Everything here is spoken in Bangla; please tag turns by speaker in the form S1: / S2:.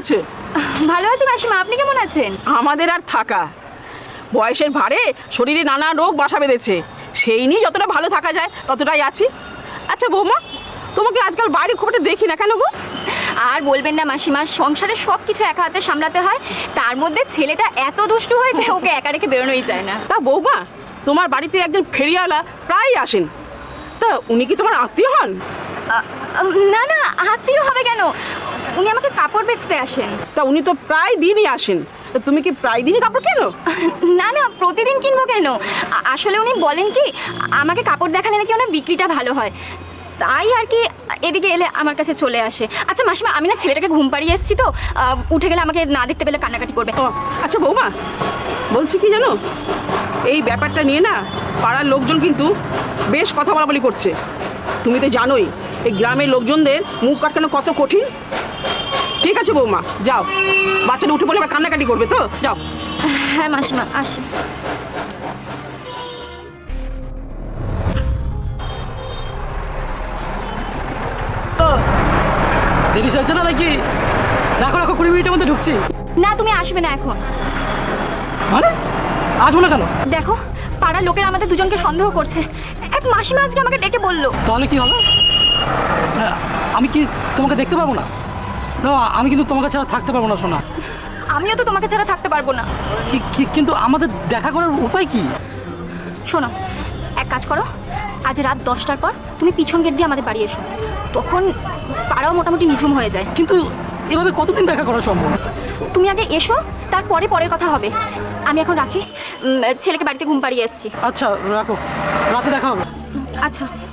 S1: আছো?
S2: ভালো আছি মাসিমা, আপনি কেমন আছেন?
S1: আমাদের আর থাকা, বয়সের ভারে শরীরে নানা রোগ বাসা বেঁধেছে, সেই নিয়ে যতটা ভালো থাকা যায় ততটাই আছি। আচ্ছা বৌমা, তোমাকে আজকাল বাইরে খুব একটা দেখি না, কেন গো?
S2: আর বলবেন না মাসিমা, সংসারে সব কিছু একা হাতে সামলাতে হয়, তার মধ্যে ছেলেটা এত দুষ্টু হয়েছে ওকে একা রেখে বেরোনোই যায় না।
S1: তা বৌমা, তোমার বাড়িতে একজন ফেরিওয়ালা প্রায়ই আসেন, তা উনি কি তোমার আত্মীয় হন?
S2: না না, আত্মীয় হবে কেন, উনি আমাকে কাপড় বেচতে আসেন।
S1: তা উনি তো প্রায় দিনই আসেন, তা তুমি কি প্রায় দিনই কাপড় কেনো?
S2: না না, প্রতিদিন কিনবো কেন, আসলে উনি বলেন কি আমাকে কাপড় দেখালে নাকি ওনার বিক্রিটা ভালো হয়, তাই আর কি এদিকে এলে আমার কাছে চলে আসে। আচ্ছা মাসিমা, আমি না ছেলেটাকে ঘুম পাড়িয়ে এসেছি তো, উঠে গেলে আমাকে না দেখতে পেলে কান্নাকাটি করবে।
S1: ও আচ্ছা বৌমা, বলছি কি জানো, এই ব্যাপারটা নিয়ে না পাড়ার লোকজন কিন্তু বেশ কথা বলাবলি করছে। তুমি তো জানোই এই গ্রামের লোকজনদের মুখ কাটানো কত কঠিন। ঠিক আছে বৌমা, যাও, বাচ্চাটা উঠে পড়লে আবার কান্নাকাটি করবে তো, যাও।
S2: হ্যাঁ মাসিমা, আসি।
S3: দেরি হয়েছে না নাকি? রাখো রাখো, 20 মিনিটের মধ্যে ঢুকছি।
S2: না তুমি আসবে না এখন।
S3: মানে আসবো না কেন?
S2: দেখো, পাড়ার লোকেরা আমাদের দুজনকে সন্দেহ করছে, এক মাসিমা আজকে আমাকে ডেকে বললো।
S3: তাহলে কি হবে? আমি কি তোমাকে দেখতে পারবো না? না, আমি কিন্তু তোমাকে ছাড়া থাকতে পারবো না সোনা।
S2: আমিও তো তোমাকে ছাড়া থাকতে পারবো না।
S3: কিন্তু আমাদের দেখা করার উপায় কি?
S2: শোনো, এক কাজ করো, আজ রাত 10টার পর তুমি পিছন গেট দিয়ে আমাদের বাড়ি এসো, তখন পাড়াও মোটামুটি নিঝুম হয়ে যায়।
S3: কিন্তু এভাবে কতদিন দেখা করা সম্ভব?
S2: তুমি আগে এসো, তারপরে পরের কথা হবে। আমি এখন রাখি, ছেলেকে বাড়িতে ঘুম পাড়িয়ে এসেছি।
S3: আচ্ছা রাখো, রাতে দেখা হবে।
S2: আচ্ছা।